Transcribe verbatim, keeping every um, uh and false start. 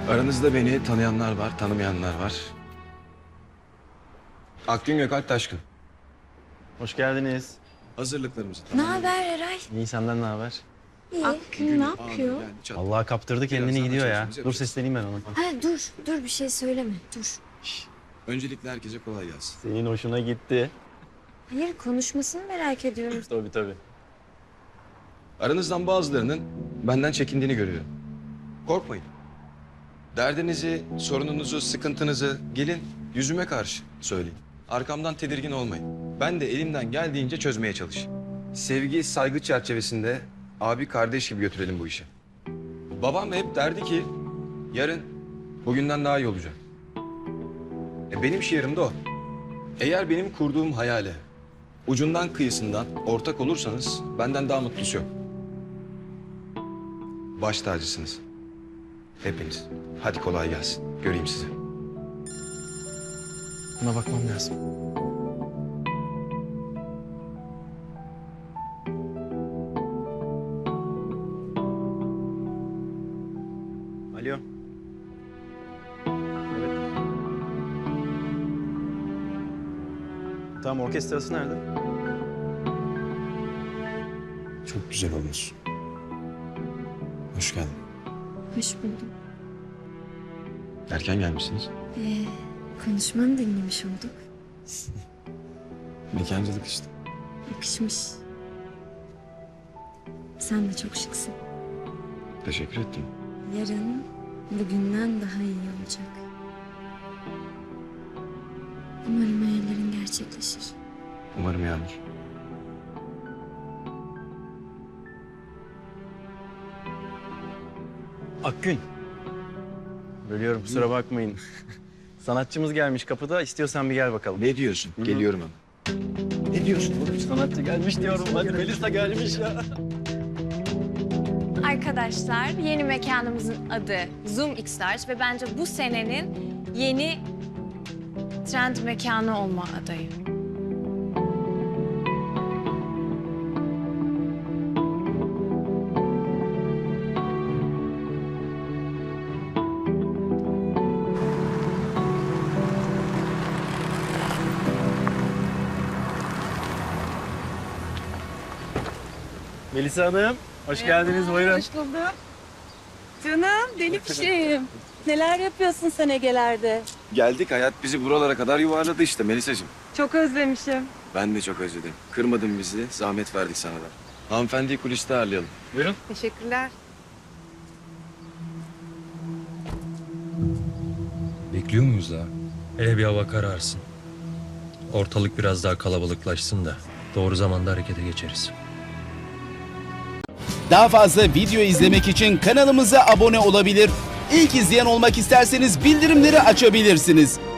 Aranızda beni tanıyanlar var, tanımayanlar var. Akgün Gökalp Taşkın. Hoş geldiniz. Hazırlıklarımızı Ne tamamladık. haber Eray? İyi, senden ne haber? İyi. Günün ne anı yapıyor? yani çat- Allah kaptırdı kendini Birazdan gidiyor ya. açılışımızı Dur yapacağız. sesleneyim ben ona. Ha dur, dur bir şey söyleme. Dur. Öncelikle herkese kolay gelsin. Senin hoşuna gitti. Hayır, konuşmasını merak ediyorum. Tabii tabii. Aranızdan bazılarının benden çekindiğini görüyorum. Korkmayın. Derdinizi, sorununuzu, sıkıntınızı gelin yüzüme karşı söyleyin. Arkamdan tedirgin olmayın. Ben de elimden geldiğince çözmeye çalışayım. Sevgi, saygı çerçevesinde abi kardeş gibi götürelim bu işi. Babam hep derdi ki yarın bugünden daha iyi olacak. E benim şiirim de o. Eğer benim kurduğum hayale ucundan kıyısından ortak olursanız benden daha mutlusu yok. Baş tacısınız. Hepiniz. Hadi kolay gelsin. Göreyim sizi. Buna bakmam lazım. Alo. Evet. Tamam, orkestrası nerede? Çok güzel olmuş. Hoş geldin. Hoş buldum. Erken gelmişsiniz. Ee, konuşmanı dinlemiş olduk. Mekancılık işte. Yakışmış. Sen de çok şıksın. Teşekkür ettim. Yarın bugünden daha iyi olacak. Umarım hayallerin gerçekleşir. Umarım Yağmur. Akgün. Bölüyorum, kusura bakmayın. Sanatçımız gelmiş kapıda. İstiyorsan bir gel bakalım. Ne diyorsun? Hı hı. Geliyorum hemen. Ne diyorsun oğlum? Sanatçı gelmiş diyorum. Hadi Melisa gelmiş ya. Arkadaşlar, yeni mekanımızın adı Zoom X-Large ve bence bu senenin yeni trend mekanı olma adayı. Melisa Hanım, hoş geldiniz. Buyurun. Hoş bulduk. Canım, deli fişeğim. Neler yapıyorsun sen Ege'lerde? Geldik, hayat bizi buralara kadar yuvarladı işte Melisa'cığım. Çok özlemişim. Ben de çok özledim. Kırmadın bizi, zahmet verdik sana da. Hanımefendiyi kuliste ağırlayalım. Buyurun. Teşekkürler. Bekliyor muyuz daha? Hele bir hava kararsın. Ortalık biraz daha kalabalıklaşsın da doğru zamanda harekete geçeriz. Daha fazla video izlemek için kanalımıza abone olabilir. İlk izleyen olmak isterseniz bildirimleri açabilirsiniz.